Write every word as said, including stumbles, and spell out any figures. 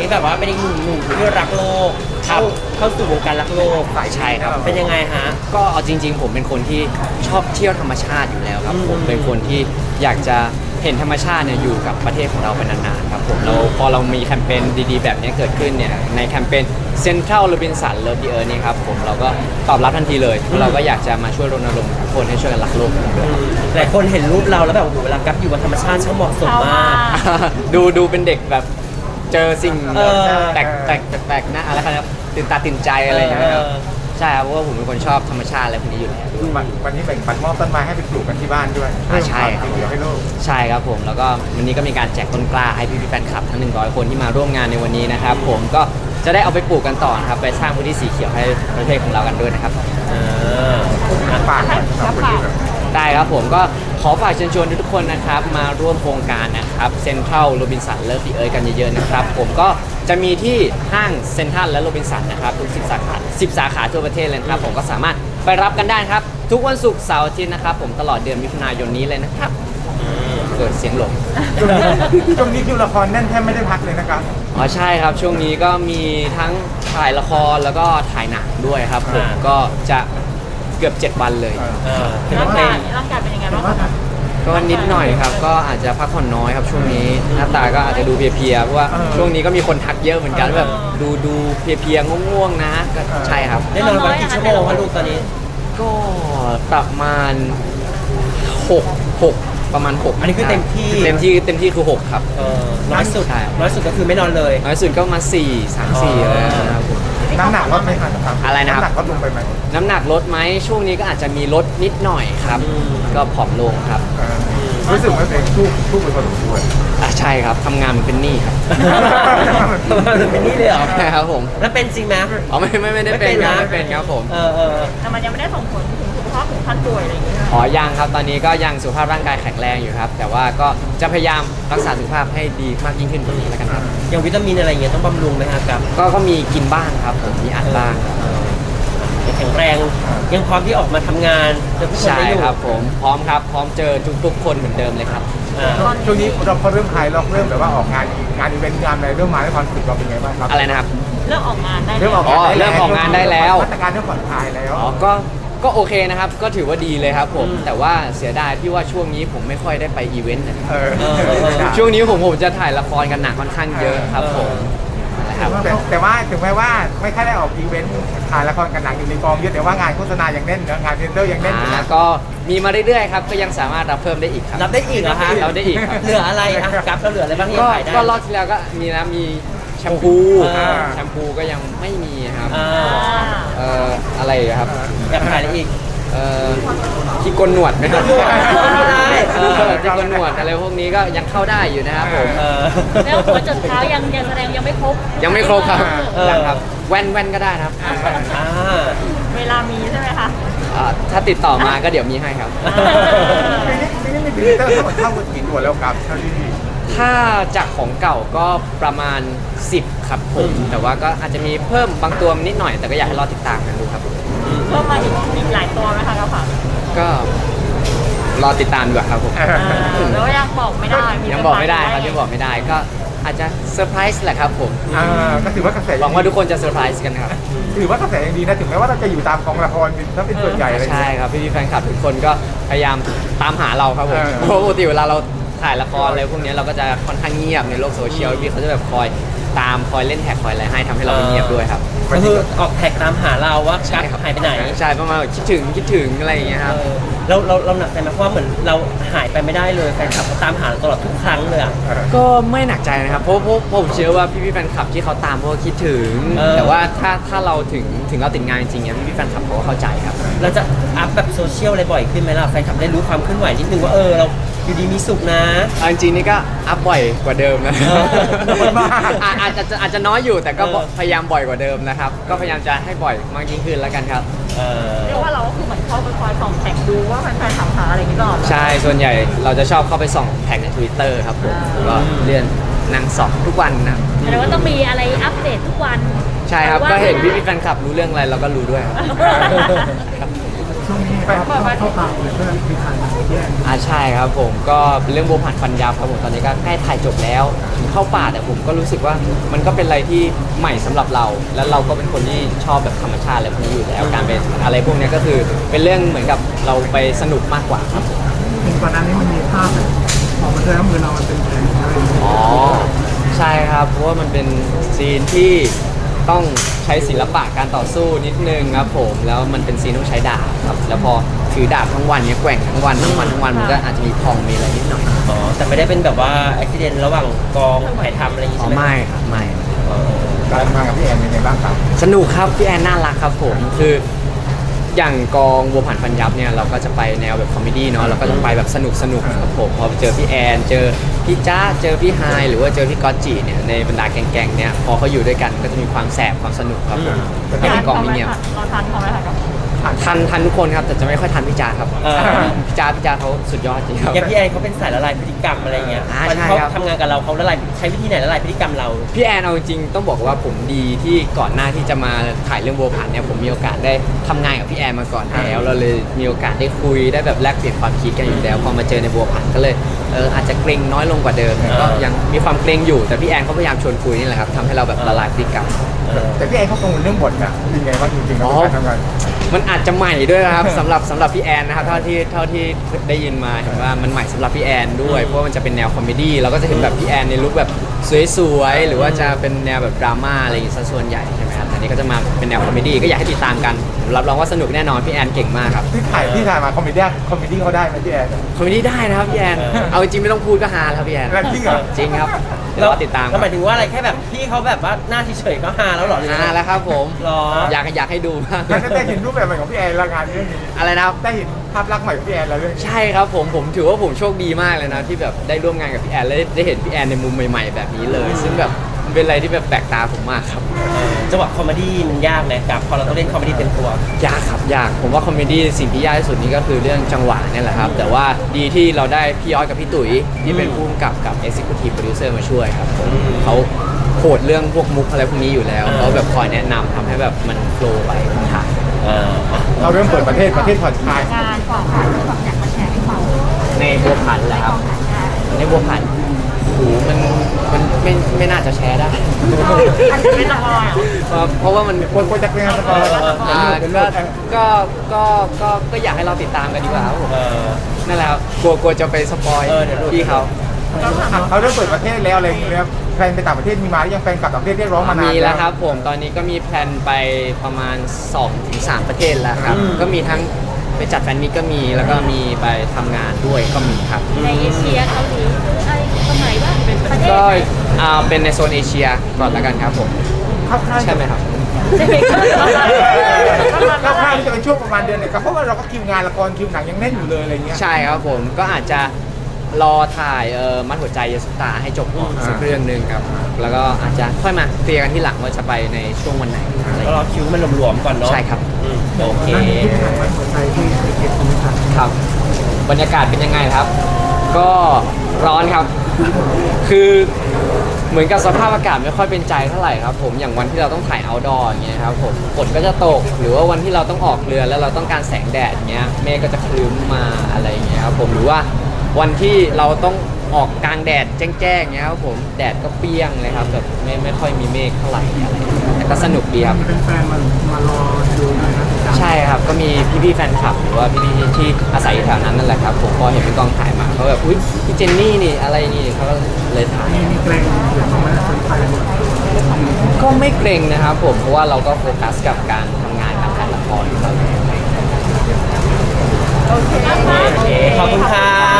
ที่แบบว่าเป็นอีกหนึ่งหนุ่มที่รักโลกเข้าเข้าสู่วงการรักโลกใช่ครับเป็นยังไงฮะก็เอาจริงๆผมเป็นคนที่ชอบเที่ยวธรรมชาติอยู่แล้วครับอืมผมเป็นคนที่อยากจะเห็นธรรมชาติเนี่ยอยู่กับประเทศของเราไปนานๆครับผมแล้วพอเรามีแคมเปญดีๆแบบนี้เกิดขึ้นเนี่ยในแคมเปญ Central Robinson Love the Earth นี่ครับผมเราก็ตอบรับทันทีเลยเราก็อยากจะมาช่วยรณรงค์ทุกคนให้ช่วยกันรักโลกกันด้วยครับหลายคนเห็นรูปเราแล้วแบบโอ้โหเวลากับอยู่บนธรรมชาติช่างเหมาะสมมากดูดูเป็นเด็กแบบเจอสิ่งเออแปลกแปลกแปลกๆนะอะไรครับตื่นตาตื่นใจอะไรอย่างเงี้ยครับเออใช่ครับเพราะว่าผมเป็นคนชอบธรรมชาติอะไรพวกนี้อยู่แล้ววันวันนี้แบ่งปันมอบต้นไม้ให้ไปปลูกกันที่บ้านด้วยอ่าใช่ครับเดี๋ยวให้โลกใช่ครับผมแล้วก็วันนี้ก็มีการแจกต้นกล้าให้พี่ๆแฟนคลับทั้งหนึ่งร้อยคนที่มาร่วมงานในวันนี้นะครับผมก็จะได้เอาไปปลูกกันต่อนะครับไปสร้างพื้นที่สีเขียวให้ประเทศของเรากันด้วยนะครับอ่าฝากหน่อยสำหรับคนที่แบบได้ครับผมก็ขอฝากเชิญชวนทุกๆคนนะครับมาร่วมโครงการนะครับ Central Robinson Love the Earth กันเยอะๆนะครับผมก็จะมีที่ห้างเซ็นทรัลและโรบินสันนะครับทุกสิบสาขาสิบสาขาทั่วประเทศเลยนะครับผมก็สามารถไปรับกันได้ครับทุกวันศุกร์เสาร์อาทิตย์นะครับผมตลอดเดือนมิถุนายนนี้เลยนะครับเกิดเสียงหลงช่วงนี้คิวละครแน่นแทบไม่ได้พักเลยนะครับอ๋อใช่ครับช่วงนี้ก็มีทั้งถ่ายละครแล้วก็ถ่ายหนังด้วยครับผมก็จะเกือบเจ็ดวันเลยเออเป็นร่างเพลกาง ยร่างกายเป็นยังไงบ้างคะก็นิดหน่อยครับก็อาจจะพักผ่อนน้อยครับช่วงนี้หน้าตาก็อาจจะดูเพลียๆเพราะว่าช่วงนี้ก็มีคนทักเยอะเหมือนกันแบบดูดูเพลียๆง่วงๆนะก็ใช่ครับได้นอนวันกี่ชั่วโมงคะลูกตอนนี้ก็ประมาณหกหกประมาณหกอันนี้คือเต็มที่เต็มที่เต็มที่คือหกครับเออน้อยสุดใช่น้อยสุดก็คือไม่นอนเลยน้อยสุดก็มาสี่สามสี่อะไรนะครับผมน้ำหนักลดไหมครับอะไรนะครับน้ำหนักลดลงไปไหมน้ำหนักลดไหมช่วงนี้ก็อาจจะมีลดนิดหน่อยครับอืมก็ผอมลงครับเออรู้สึกว่าตัวเองสู้สู้ไปพอสมควรอ่ะใช่ครับทำงานเหมันเป็นหนี้ครับเป็นนี่เลยเหรอใช่ครับผมแล้วเป็นจริงไหมอ๋อไม่ไม่ไม่ได้เป็นครับไม่ไม่เป็เป็น นนะครับผมเออเออแต่มันยังไม่ได้ส่งผลถึงสุขภาพถึงขั้นป่วยอะไรอย่างเงี้ยอ๋อยังครับตอนนี้ก็ยังสุขภาพร่างกายแข็งแรงอยู่ครับ แต่ว่าก็จะพยายามรักษาสุขภาพให้ดีมากยิ่งขึ้นกว่านี้แล้วกันครับอย่างวิตามินอะไรเงี้ยต้องบำรุงไหมฮะกับก็ก็มีกินบ้างครับผมมีอัดบ้างครับแข็งแรงยังพร้อมที่ออกมาทำงานเจอผู้คนใช่ได้อยู่ครับผมพร้อมครับพร้อมเจอทุกๆ คนเหมือนเดิมเลยครับอ่าช่วงนี้เราพอเริ่มคลายล็อกเริ่มแบบว่าออกงานงานอีเวนต์งานอะไรเริ่มมาแล้วความรู้สึกเราเป็นไงบ้างครับอะไรนะครับเริ่มออกงานได้เริ่มออกอ๋งานอได้เริ่มออกงานได้แล้วมาตรการเริ่มผ่อนคลายแล้วอ๋อก็ก็โอเคนะครับ ก็ถือว่าดีเลยครับผม แต่ว่าเสียดายที่ว่าช่วงนี้ผมไม่ค่อยได้ไปอีเวนต์นะเออช่วงนี้ผมผมจะถ่ายละครกันหนักค่อนข้างเยอะครับผมนะครับแต่แต่ว่าถึงแม้ว่าไม่ค่อยได้ออกอีเวนต์ถ่ายละครกันหนังอยู่ในกองเยอะแต่ว่างานโฆษณายังแน่นเนอะงานเทรนเดอร์ยังแน่นอยู่อ่านะก็มีมาเรื่อยๆครับก็ยังสามารถรับเพิ่มได้อีกครับรับได้อีกเหรอฮะรับได้อีกครับเหลืออะไรอ่ะกับเราเหลืออะไรบ้างที่ก็ขายได้ก็รอบที่แล้วก็มีนะมีแชมพูอ่าแชมพูก็ยังไม่มีครับอ่าเอ่ออะไรอีกครับอยากขายอะไรอีกเอ่อที่โกนหนวดไหมครับเข้าได้เออที่โกนหนวดอะไรพวกนี้ก็ยังเข้าได้อยู่นะครับผมเออแล้วหัวจดเท้ายังยังแสดงยังไม่ครบยังไม่ครบครับเออยังครับแว่นแว่นก็ได้นะครับอ่าเวลามีใช่ไหมคะอ่าถ้าติดต่อมาก็เดี๋ยวมีให้ครับปีนี้ปีนี้มีพรีเซนเตอร์ทั้งหมดเท่ากันกี่ตัวแล้วครับเท่าที่ถ้าจากของเก่าก็ประมาณสิบครับผมแต่ว่าก็อาจจะมีเพิ่มบางตัวนิดหน่อย แต่ก็อยากให้รอติดตามกันดูครับเพิ่มมาอีกอีกหลายตัวไหมคะเราค่ะก็รอติดตามดีกว่าครับผมเออแล้วยังบอกไม่ได้ยังบอกไม่ได้ครับยังบอกไม่ได้ก็อาจจะเซอร์ไพรส์แหละครับผมอ่าก็ถือว่ากระแสหวังว่าทุกคนจะเซอร์ไพรส์กันครับถือว่ากระแสยังดีนะถึงแม้ว่าเราจะอยู่ตามกองละครถ้าเป็นส่วนใหญ่อะไรอย่างใช่เงี้ยครับพี่ๆแฟนคลับทุกคนก็พยายามตามหาเราครับผมเออเพราะปกติเวลาเราถ่ายละครอะไรพวกนี้เราก็จะค่อนข้างเงียบในโลกโซเชียลพี่เขาจะแบบคอยตามคอยเล่นแท็กคอยอะไรให้ทำให้เราไม่เงียบด้วยครับก็คือออกแท็กตามหาเราว่าใช่กัครับหายไปไหนใช่ประมาณแบบคิดถึงคิดถึงอะไรอย่างเงี้ยครับเออเราเราเราหนักใจไหมเพราะว่าเหมือนเราหายไปไม่ได้เลยแฟนคลับเขาตามหาเราตลอดทุกครั้งเลยอ่ะก็ไม่หนักใจนะครับเพราะเพราะเพราะผมเชื่อว่าพี่ๆแฟนคลับที่เขาตามเพราะว่าคิดถึงเออแต่ว่าถ้าถ้าเราถึงถึงเราติดงานจริงๆเนี่ยพี่ๆแฟนคลับเขาก็เข้าใจครับเราจะอัพแบบโซเชียลอะไรบ่อยขึ้นไหมล่ะแฟนคลับได้รู้ความเคลื่อนไหวนิดนึงว่าเออเราอยู่ดีมีสุขนะเอาจริงๆนี่ก็อัพบ่อยกว่าเดิมนะเอออาอาจจะอาจจะน้อยอยู่แต่ก็เออพยายามบ่อยกว่าเดิมนะครับ ก็พยายามจะให้บ่อยมากยิ่งขึ้นแล้วกันครับเออเรียกว่าเราก็คือเหมือนเข้าไปคอยส่องแท็กดูว่าแฟนๆถามหาอะไรอย่างนี้ตลอดใช่ส่วนใหญ่เราจะชอบเข้าไปส่องแท็กใน Twitter ครับผมก็เลื่อนนั่งส่องทุกวันนะแปลว่าต้องมีอะไรอัปเดตทุกวันใช่ครับก็เห็นพี่ๆแฟนคลับรู้เรื่องอะไรเราก็รู้ด้วยครับช่วงนี้ไปเปิดประเทศอ่าใช่ครับผมก็เป็นเรื่องโบวผันฟันยับครับผมตอนนี้ก็ใกล้ถ่ายจบแล้วถึงเข้าป่าแต่ผมก็รู้สึกว่ามันก็เป็นอะไรที่ใหม่สำหรับเรา แล้วเราก็เป็นคนที่ชอบแบบธรรมชาติอะไรพวกนี้อยู่แล้วการไปอะไรพวกนี้ก็คือเป็นเรื่องเหมือนกับเราไปสนุกมากกว่าครับผมเห็นก่อนหน้านี้มันมีภาพแบบออกมาด้วยแล้วมือเรามันเป็นแผลอะไรอย่างเงี้ยอ๋อใช่ครับเพราะว่ามันเป็นซีนที่ต้องใช้ศิลปะการต่อสู้นิดนึงครับผมแล้วมันเป็นซีนต้องใช้ดาบครับแล้วพอถือดาบทั้งวันเนี้ยแกว่งทั้งวันทั้งวันทั้งวันมันก็อาจจะมีพองมีอะไรนิดหน่อยอ๋อแต่ไม่ได้เป็นแบบว่าอุบิเหตุระหว่างกองถ่ายทำอะไรอย่างงี้อ๋อใช่ไหมไม่ครับไม่การทำงานกับพี่แอนเป็นยังไงบ้างครับสนุกครับพี่แอนน่ารักครับผมคืออย่างกองวัวผ่านฟันยับเนี่ยเราก็จะไปแนวแบบคอมเมดี้เนาะเราก็จะไปแบบสนุกสนุกครับผมพอไปเจอพี่แอนเจอพี่จ้าเจอพี่ไฮหรือว่าเจอพี่ก๊อตจีเนี่ยในบรรดาแก๊งๆเนี่ยพอเขาอยู่ด้วยกันก็จะมีความแสบความสนุกครับผมแต่ในกองนี้เนี่ยเราทานเขาไหมคะทันทันทุกคนครับแต่จะไม่ค่อยทันพี่จ้าครับเออพี่จ้าพี่จ้าเขาสุดยอดจริงครับอย่างพี่แอนเขาเป็นสายละลายพฤติกรรมอะไรเงี้ยอ่าตอนใช่เขาครับทำงานกับเราเขาละลายใช้วิธีไหนละลายพฤติกรรมเราพี่แอนเอาจริงๆต้องบอกว่าผมดีที่ก่อนหน้าที่จะมาถ่ายเรื่องโบวผันเนี่ยผมมีโอกาสได้ทำงานกับพี่แอนมาก่อนแล้วเราเลยมีโอกาสได้คุยได้แบบแลกเปลี่ยนความคิดกันอยู่แล้วพอมาเจอในโบวผันก็เลยเอออาจจะเกรงน้อยลงกว่าเดิมก็ยังมีความเกรงอยู่แต่พี่แอนเขาพยายามชวนคุยนี่แหละครับทำให้เราแบบละลายพฤติกรรมเออแต่พี่แอนเขากังวลเรื่องบทอะเป็นไงบ้างจริงๆแล้วการทำงานมันอาจจะใหม่ด้วยนะครับ สำหรับสำหรับพี่แอนนะครับเท่าที่เท่าที่ได้ยินมาเห็นว่ามันใหม่สำหรับพี่แอนด้วยเพราะว่ามันจะเป็นแนวคอมเมดี้เราก็จะเห็นแบบพี่แอนในลุคแบบสวยๆหรือว่าจะเป็นแนวแบบดราม่าอะไรอย่างงี้ซะส่วนใหญ่ใช่ไหมครับแต่นี่ก็จะมาเป็นแนวคอมเมดี้ก็อยากให้ติดตามกันผมรับรองว่าสนุกแน่นอนพี่แอนเก่งมากครับที่ถ่ายที่ถ่ายมาคอมเมดี้คอมเมดี้เขาได้ไหมพี่แอนคอมเมดี้ได้นะครับพี่แอนเอาจริงไม่ต้องพูดก็ฮาแล้วครับพี่แอนแล้วจริงเหรอจริงครับเดี๋ยวรอติดตามคแล้วรับหมายถึงว่าอะไรแค่แบบพี่เขาแบบว่าหน้าเฉยๆก็ฮาแล้วเหรอหรือฮาแล้วครับผมหรออยากอยากให้ดูมากแล้วได้เห็นรูปแบบใหม่ของพี่แอนและงานเรื่องนี้อะไรนะครับได้เห็นภาพลักษณ์ใหม่ของพี่แอนแล้วเรื่องนี้ใช่ครับผมผมถือว่าผมโชคดีมากเลยนะที่แบบได้ร่วมงานกับพี่แอนและได้เห็นพี่แอนในมุมใหม่ ๆ แบบนี้เลย ซึ่งแบบมันเป็นอะไรที่แบบแปลกตาผมมากครับจังหวะคอมเมดี้มันยากนะกับพอเราต้องเล่นคอมเมดี้เต็มตัวยากครับยากผมว่าคอมเมดี้สิ่งที่ยากที่สุดนี่ก็คือเรื่องจังหวะเนี่ยแหละครับ แต่ว่าดีที่เราได้พี่ย้อยกับพี่ตุ๋ยที่เป็นผู้กำกับกับ Executive Producer มาช่วยครับผมเขาโหดเรื่องพวกมุกอะไรพวกนี้อยู่แล้วเขาแบบคอยแนะนำทำให้แบบมันโฟล์ไปถ่ายเออเราเริ่มเปิดประเทศประเทศผ่อนคลายงานของค่ะที่แบบอยากมาแชร์ให้ฟังในบัวผันแหละครับ ในบัวผันโอ้โหมันมันไม่ไม่น่าจะแชร์ได้อันนี้ไม่ต้องรอเหรอเพราะเพราะว่ามันคนคนจะเป็นงานสปอยล์อ่าก็ก็ก็ก็ก็อยากให้เราติดตามกันดีกว่าครับผมเออนั่นแหละครับกลัวกลัวจะไปสปอยเออเดี๋ยวหลุดพี่เขาเขาเริ่มเปิดประเทศแล้วอะไรอย่างเงี้ยแฟนไปต่างประเทศมีมาหรือยังแฟนกลับต่างประเทศเรียกร้องมานานมีแล้วครับผมตอนนี้ก็มีแพลนไปประมาณ สองถึงสาม ประเทศแล้วครับ ก็มีทั้งไปจัดแฟนมิตก็มีแล้วก็มีไปทำงานด้วยก็มีครับในเอเชียเกาหลีหรืออะไรตรงไหนบ้างเป็นประเทศก็ไหนอ่าเป็นในโซนเอเชียก่อนละกันครับผมเข้าค่ายใช่ไหมครับใช่ไหมคะเข้าค่ายจะเป็นช่วงประมาณเดือนไหนครับเพราะว่าเราก็คิวงานละครคิวหนังยังแน่นอยู่เลยอะไรเงี้ยใช่ครับผมก็อาจจะรอถ่ายเอ่อมัดหัวใจยาสุตาให้จบก่อนอ่าสักเรื่องหนึ่งครับ แล้วก็อาจจะค่อยมาเคลียร์กันที่หลังว่าจะไปในช่วงวันไหนอะไรอย่างก็รอเงี้ยคิวมันหลวมๆก่อนเนาะใช่ครับอืมโอเคนั่นที่ถ่ายไว้หัวใจที่ไปเก็บตรงนี้ครับครับ บรรยากาศเป็นยังไงครับ ก็ร้อนครับ คือเหมือนกับสภาพอากาศไม่ค่อยเป็นใจเท่าไหร่ครับผมอย่างวันที่เราต้องถ่ายเอาท์ดอร์อย่างเงี้ยครับผมฝนก็จะตกหรือว่าวันที่เราต้องออกเรือแล้วเราต้องการแสงแดดอย่างเงี้ยเมฆก็จะครึ้มมาอะไรอย่างเงี้ยครับผมหรือว่าวันที่เราต้องออกกลางแดดแจ้งๆเงี้ยครับผมแดดก็เปรี้ยงเลยครับแบบไม่ไม่ค่อยมีเมฆเท่าไหร่อะไรอย่างเงี้ยแต่ก็สนุกดีครับเป็นแฟนมามารอดูนะครับใช่ครับก็มีพี่ๆแฟนคลับหรือว่าพี่ๆที่อาศัยอยู่แถวนั้นนั่นแหละครับผมพอเห็นเป็นกองถ่ายมาเขาแบบอุ๊ยพี่เจนนี่นี่อะไรนี่เขาก็เลยถ่ายมีมีเกรงหรือไม่สนใจหมดก็ไม่เกรงนะครับผมเพราะว่าเราก็โฟกัสกับการทำงานการถ่ายละครอยู่แล้วโอเคโอเค ขอบคุณค่ะ